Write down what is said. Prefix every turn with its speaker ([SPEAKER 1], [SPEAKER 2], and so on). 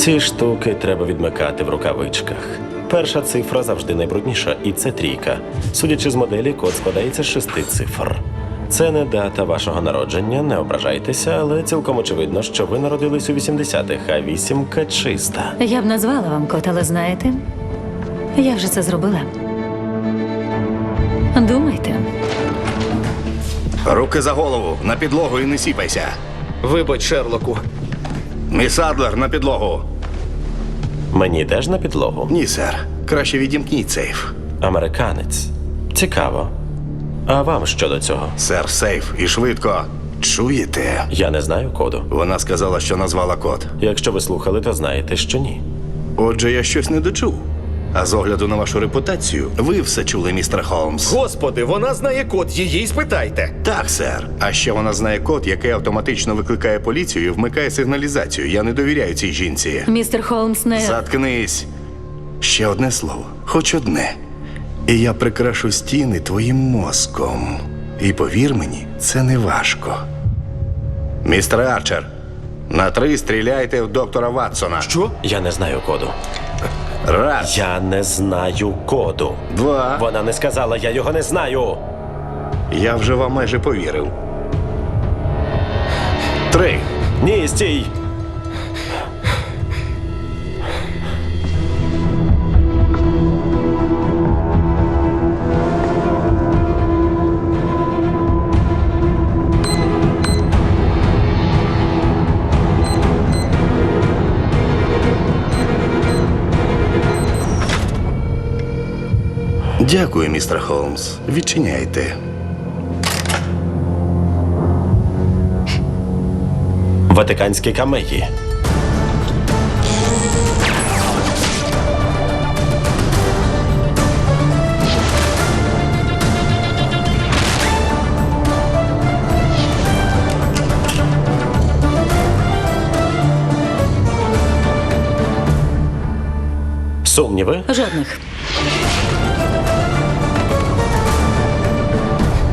[SPEAKER 1] Ці штуки треба відмикати в рукавичках. Перша цифра завжди найбрудніша, і це трійка. Судячи з моделі, код складається з 6 цифр. Це не дата вашого народження, не ображайтеся, але цілком очевидно, що ви народились у 80-х, а вісімка чиста.
[SPEAKER 2] Я б назвала вам код, але знаєте, я вже це зробила. Думайте.
[SPEAKER 3] Руки за голову, на підлогу і не сіпайся.
[SPEAKER 4] Вибач, Шерлоку.
[SPEAKER 3] Міс Адлер, на підлогу.
[SPEAKER 1] Мені теж на підлогу.
[SPEAKER 3] Ні, сер. Краще відімкніть сейф.
[SPEAKER 1] Американець. Цікаво. А вам що до цього?
[SPEAKER 3] Сер, сейф. І швидко. Чуєте?
[SPEAKER 1] Я не знаю коду.
[SPEAKER 3] Вона сказала, що назвала код.
[SPEAKER 1] Якщо ви слухали, то знаєте, що ні.
[SPEAKER 3] Отже, я щось не дочув. А з огляду на вашу репутацію, ви все чули, містер Холмс.
[SPEAKER 4] Господи, вона знає код, її й спитайте.
[SPEAKER 3] Так, сер. А ще вона знає код, який автоматично викликає поліцію і вмикає сигналізацію. Я не довіряю цій жінці.
[SPEAKER 2] Містер Холмс не...
[SPEAKER 3] Заткнись. Ще одне слово. Хоч одне. І я прикрашу стіни твоїм мозком. І повір мені, це не важко. Містер Арчер, на 3 стріляйте в доктора Ватсона.
[SPEAKER 4] Що?
[SPEAKER 1] Я не знаю коду.
[SPEAKER 3] Раз,
[SPEAKER 1] Я не знаю коду.
[SPEAKER 3] 2.
[SPEAKER 1] Вона не сказала, я його не знаю.
[SPEAKER 3] Я вже вам майже повірив. 3.
[SPEAKER 1] Ні, стій.
[SPEAKER 3] Дякую, містер Холмс. Відчиняйте.
[SPEAKER 1] Ватиканські камеї. Сумніви?
[SPEAKER 2] Жодних.